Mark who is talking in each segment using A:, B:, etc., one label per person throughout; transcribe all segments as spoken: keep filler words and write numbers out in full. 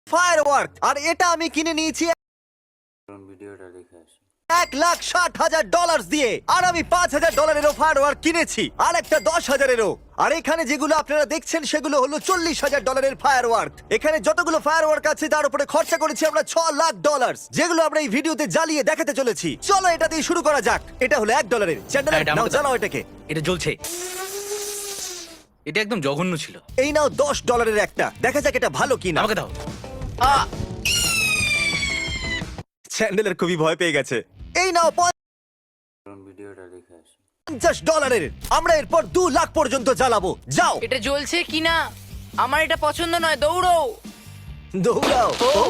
A: Firework, আর এটা আমি কিনে নিয়েছি
B: ভিডিওটা দেখে আসি।
A: এক লাখ ষাট হাজার ডলার দিয়ে। আর আমি পাঁচ হাজার ডলারেরও ফায়ারওয়ার্ক কিনেছি, আর একটা দশ হাজারেরও। আর এখানে যেগুলো আপনারা দেখছেন সেগুলো হলো চল্লিশ হাজার ডলারের ফায়ারওয়ার্ক। এখানে যতগুলো ফায়ারওয়ার্ক আছে তার উপরে খরচা করেছি আমরা ছ লাখ ডলার, যেগুলো আমরা এই ভিডিওতে জ্বালিয়ে দেখাতে চলেছি। চলো এটা দিয়ে শুরু করা যাক। এটা হলো এক ডলারের। চ্যান্ডেলার,
C: এটা
A: নাও
C: আমাকে
A: জ্বালাও এটাকে।
C: এটা জ্বলছে। এটা একদম জঘন্য ছিল।
A: এই নাও দশ ডলারের একটা, দেখা যাক এটা ভালো কিনা।
C: আমাকে দাও।
A: চ্যান্ডেলার খুবই ভয় পেয়ে গেছে। এই নাও
B: ভিডিওটা দেখে আসি।
A: পঞ্চাশ ডলারের। আমরা এরপর দু লাখ পর্যন্ত জ্বালাবো। যাও
D: এটা জ্বলছে কিনা আমার এটা পছন্দ নয়, দৌড়ো।
A: দৌড়াও। ও।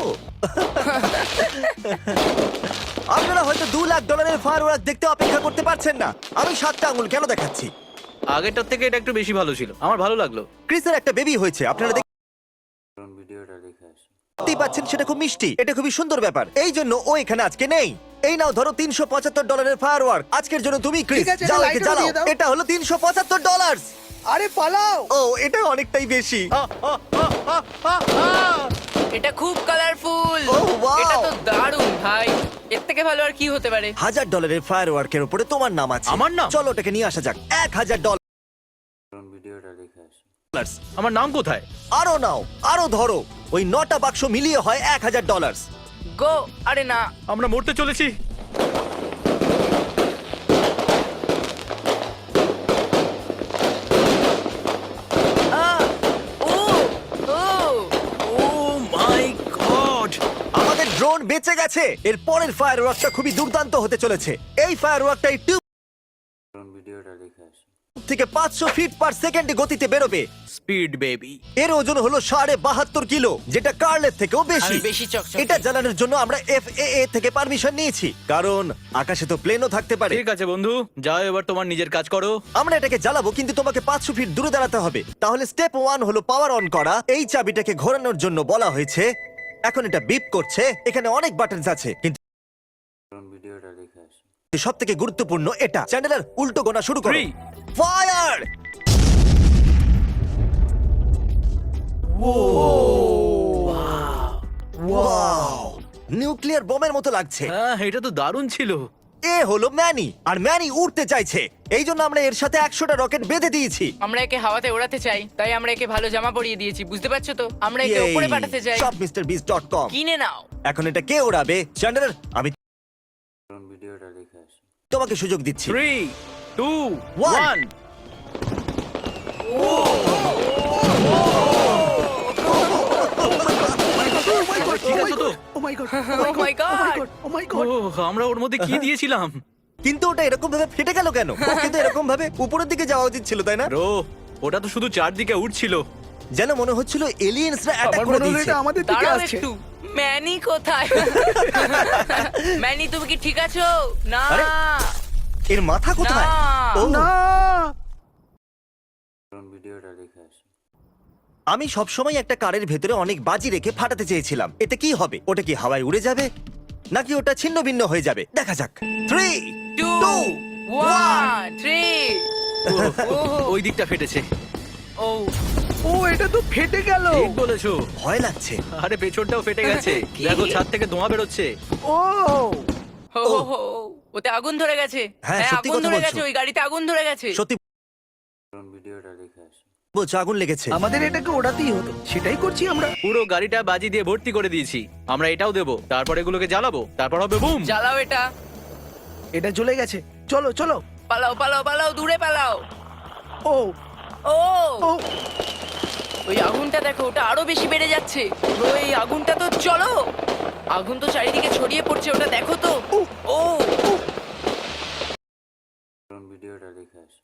A: আপনারা হয়তো দু লাখ ডলারের ফায়ারওয়ার্ক দেখতে অপেক্ষা করতে পারছেন না। আমি সাতটা আঙুল কেন দেখাচ্ছি?
C: আগেরটার থেকে এটা একটু বেশি ভালো ছিল, আমার ভালো লাগলো।
A: ক্রিসের একটা বেবি হয়েছে, আপনারা
B: ভিডিওটা দেখে আসি।
A: দেখতেই পাচ্ছেন, সেটা খুব মিষ্টি। এটা খুবই সুন্দর ব্যাপার, এই জন্য ও এখানে আজকে নেই। এই নাও ধরো তিনশো পঁচাত্তর ডলারের ফায়ারওয়ার্ক আজকের জন্য তুমি ক্রিস।
E: ঠিক আছে,
A: যাও
E: এটা
A: একে
E: লাইটার
A: জ্বালাও।
E: দিয়ে দাও।
A: এটা হলো তিনশো পঁচাত্তর ডলার।
E: আরে পালাও।
A: ও, এটা অনেকটাই বেশি।
D: এটা খুব কালারফুল।
A: Oh, wow!
D: এটা তো দারুণ ভাই, এর থেকে ভালো আর কি হতে পারে?
A: হাজার ডলারের ফায়ারওয়ার্কের উপরে তোমার নাম আছে।
C: আমার নাম?
A: চলো ওটাকে নিয়ে আসা যাক। এক হাজার ডলার।
B: ভিডিওটা দেখে আসি।
C: আমার নাম কোথায়?
A: আরো নাও, আরো ধরো। ওই নটা বাক্স মিলিয়ে হয় এক হাজার ডলার।
D: গো। আরে না,
C: আমরা মরতে চলেছি।
D: আহ! ও ও
C: ও মাই গড!
A: আমাদের ড্রোন বেঁচে গেছে। এর পরের ফায়ারওয়ার্কটা খুবই দুর্দান্ত হতে চলেছে। এই ফায়ারওয়ার্কটা একটু
B: ভিডিওটা দেখে আসি।
A: থেকে পাঁচশো ফিট পার সেকেন্ডে গতিতে বেরোবে।
C: Speed baby.
A: এর ওজন হলো সাড়ে বাহাত্তর কিলো, যেটা কার্লের থেকেও বেশি।
D: আমি বেশি চকচকে।
A: এটা জ্বালানোর জন্য আমরা এফ এ এ থেকে পারমিশন নিয়েছি, কারণ আকাশে তো প্লেনও থাকতে পারে।
C: ঠিক আছে বন্ধু, যাও এবার তোমার নিজের কাজ করো।
A: আমরা এটাকে জ্বালাবো, কিন্তু তোমাকে পাঁচশো ফিট দূরে দাঁড়াতে হবে। তাহলে স্টেপ ওয়ান হলো পাওয়ার অন করা। এই চাবিটাকে ঘোরানোর জন্য বলা হয়েছে। এখন এটা বিপ করছে। এখানে অনেক বাটনস আছে, কিন্তু
B: ভিডিওটা দেখে আসি।
A: সব থেকে গুরুত্বপূর্ণ এটা। চ্যান্ডেলার, উল্টো গোনা শুরু করো।
C: Three.
A: ফায়ার! ওয়াও! নিউক্লিয়ার বোমের মতো লাগছে।
C: হ্যাঁ, এটা তো দারুণ ছিল।
A: এ হলো ম্যানি, আর ম্যানি উড়তে চাইছে। এই জন্য আমরা এর সাথে একশোটা রকেট বেঁধে দিয়েছি।
D: আমরা একে হাওয়াতে ওড়াতে চাই, তাই আমরা একে ভালো জামা পরিয়ে দিয়েছি, বুঝতে পারছো তো? আমরা একে উপরে পাঠাতে চাই।
A: সব মিস্টার বিস ডট কম।
D: কিনে নাও।
A: এখন এটা কে ওড়াবে? চ্যান্ডেলার, আমি
B: ভিডিওটা দেখে আসি।
A: তোমাকে সুযোগ দিচ্ছি।
C: Three, two,
A: One.
C: ওয়ান। ঠিক আছে তো?
E: Oh my God.
D: Oh my God!
E: Oh my
C: oh,
E: God.
C: আমরা ওর মধ্যে কি দিয়েছিলাম?
A: কিন্তু ওটা এরকম ভাবে ফেটে গেল কেন? ও কিন্তু এরকম ভাবে উপরের দিকে যাওয়া উচিত ছিল, তাই না?
C: ব্রো, ওটা তো শুধু চারদিকে উঠছিল।
A: যেন মনে হচ্ছিল এলিয়েন্সরা অ্যাটাক
E: আমার
A: করে
E: মনে হলো
A: দিয়েছে।
E: এটা আমাদের দিকে
D: দাঁড়াও
E: আসছে।
D: একটু। ম্যানি কোথায়? ম্যানি, তুমি কি ঠিক আছো? না
A: আরে, এর মাথা কোথায়?
D: না।
A: ও,
E: না।
B: ভিডিওটা দেখে আসি।
A: আমি সবসময় একটা কারের ভেতরে অনেক বাজি রেখে ফাটাতে চেয়েছিলাম। এতে কি হবে? ওটা কি হাওয়ায় উড়ে যাবে, নাকি ওটা ছিন্ন ভিন্ন হয়ে যাবে? দেখা যাক। Three,
D: two
A: two,
D: one three.
C: ওই দিকটা ফেটেছে।
D: ও
E: ও, এটা তো ফেটে গেল।
C: ঠিক বলেছো।
A: ভয় লাগছে।
C: আরে পেছনটাও ফেটে গেছে।
D: কি?
C: দেখো, ছাদ থেকে ধোঁয়া বেরোচ্ছে।
E: ও
D: হো হো হো, ওতে আগুন ধরে গেছে।
A: হ্যাঁ,
D: হ্যাঁ,
A: সত্যি
D: আগুন
A: কথা
D: ধরে
A: বলছো।
D: গেছে, ওই গাড়িতে আগুন ধরে গেছে।
A: সত্যি
B: ভিডিওটা দেখে আসি।
A: বলছো, আগুন লেগেছে।
E: আমাদের এটাকে ওড়াতেই হতো, সেটাই করছি আমরা।
C: পুরো গাড়িটা বাজি দিয়ে ভর্তি করে দিয়েছি। আমরা এটাও দেবো, তারপর এগুলোকে জ্বালাবো, তারপর হবে বুম।
D: জ্বালাও এটা।
E: এটা জ্বলে গেছে। চলো চলো।
D: পালাও পালাও পালাও, দূরে পালাও।
E: ও
D: ও
E: ও
D: ওই আগুনটা দেখো, ওটা আরো বেশি বেড়ে যাচ্ছে। ওই আগুনটা তো, চলো। আগুন তো চারিদিকে ছড়িয়ে পড়ছে, ওটা দেখো তো। ও
B: ভিডিওটা দেখে আসি।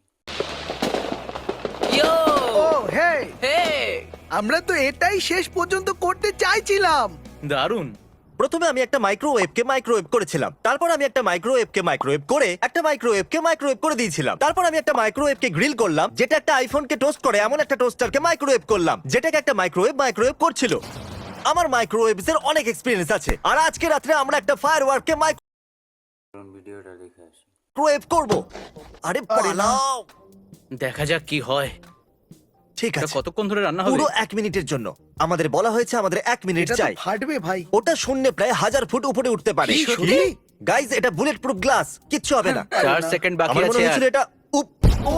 D: ইয়ো
E: ও হে,
D: হে
E: আমরা তো এটাই শেষ পর্যন্ত করতে চাইছিলাম।
C: দারুণ।
A: প্রথমে আমি একটা মাইক্রোওয়েভকে মাইক্রোওয়েভ করেছিলাম, তারপর আমি একটা মাইক্রোওয়েভকে মাইক্রোওয়েভ করে একটা মাইক্রোওয়েভকে মাইক্রোওয়েভ করে দিয়েছিলাম, তারপর আমি একটা মাইক্রোওয়েভকে গ্রিল করলাম, যেটা একটা আইফোনকে টোস্ট করে এমন একটা টোস্টারকে মাইক্রোওয়েভ করলাম, যেটাকে একটা মাইক্রোওয়েভ মাইক্রোওয়েভ করছিল। আমার মাইক্রোওয়েভস এর অনেক এক্সপিরিয়েন্স আছে, আর আজকে রাত্রে আমরা একটা ফায়ারওয়ার্ককে
B: ভিডিওটা দেখে আসি।
A: মাইক্রোওয়েভ করব। আরে
E: আরে না।
A: পালাও।
C: দেখা যাক কি হয়।
A: ঠিক
C: এটা
A: আছে
C: কতক্ষণ ধরে রান্না হবে?
A: পুরো এক মিনিটের জন্য আমাদের বলা হয়েছে আমাদের এক মিনিট
E: এটা তো
A: চাই
E: ফাটবে ভাই।
A: ওটা শূন্যে প্রায় হাজার ফুট উপরে উঠতে পারে
E: কি, সত্যি?
A: গাইজ এটা বুলেট প্রুফ গ্লাস কিচ্ছু হবে না
C: চার সেকেন্ড বাকি
A: আমার মনে
C: আছে
A: হয়েছিল
C: আর।
A: এটা উপ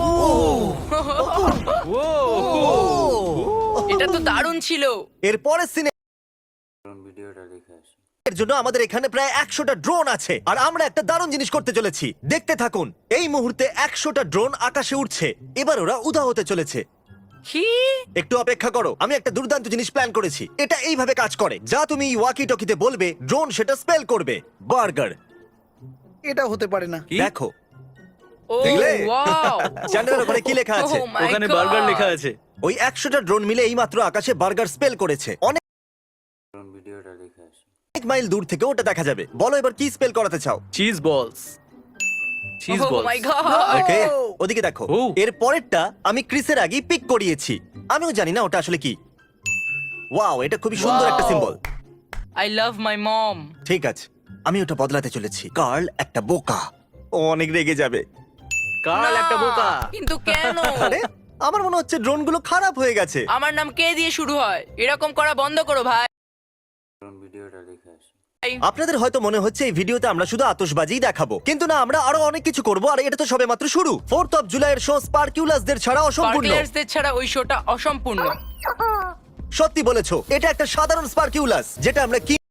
C: ও
D: এটা তো দারুণ ছিল।
A: এর পরের সিনে
B: চলুন ভিডিওটা দেখে আসি।
A: এর জন্য আমাদের এখানে প্রায় একশোটা ড্রোন আছে আর আমরা একটা দারুণ জিনিস করতে চলেছি দেখতে থাকুন এই মুহূর্তে একশোটা ড্রোন আকাশে উঠছে এবার ওরা উদা হতে চলেছে
D: কি?
A: একটু অপেক্ষা করো আমি একটা দুর্দান্ত জিনিস প্ল্যান করেছি এটা এইভাবে কাজ করে যা তুমি ওয়াকি টকিতে বলবে ড্রোন সেটা স্পেল করবে বার্গার
E: এটা হতে পারে না।
C: কি?
A: দেখো
D: ও
A: দেখলে?
D: ওয়াও।
A: চ্যানেলের ওপরে কি লেখা আছে
D: Oh my
C: ওখানে
D: God!
C: বার্গার লেখা আছে।
A: ওই একশোটা ড্রোন মিলে এইমাত্র আকাশে বার্গার স্পেল করেছে অনেক
B: চলুন ভিডিওটা দেখে আসি।
A: মাইল দূর থেকে ওটা দেখা যাবে বলো এবার কি স্পেল করাতে চাও
C: cheese balls. Cheese
D: Oh
C: balls.
D: my God!
A: ওকে ওদিকে দেখো
C: ও।
A: এর পরেরটা আমি ক্রিসের আগেই পিক করিয়েছি আমিও জানি না ওটা আসলে কি ওয়াও এটা খুবই সুন্দর একটা
D: Wow!
A: Symbol
D: I love my mom.
A: ঠিক আছে আমি ওটা বদলাতে চলেছি কার্ল একটা বোকা ও অনেক রেগে যাবে
C: কাল
D: না,
C: একটা বোকা।
D: কিন্তু কেন?
A: আরে আমার মনে হচ্ছে ড্রোনগুলো খারাপ হয়ে গেছে
D: আমার নাম কে দিয়ে শুরু হয়? এরকম করা বন্ধ করো ভাই।
B: চলুন ভিডিওটা দেখে আসি।
A: আপনাদের হয়তো মনে হচ্ছে এই ভিডিওতে আমরা শুধু আতশবাজিই দেখাবো কিন্তু না আমরা আরো অনেক কিছু করব আর এটা তো সবেমাত্র শুরু ফোর্থ অফ জুলাইয়ের শো স্পার্কিউলাসদের ছাড়া অসম্পূর্ণ
D: স্পার্কলার্সদের ছাড়া ওই শোটা অসম্পূর্ণ।
A: সত্যি বলেছো এটা একটা সাধারণ স্পার্কিউলাস যেটা আমরা কি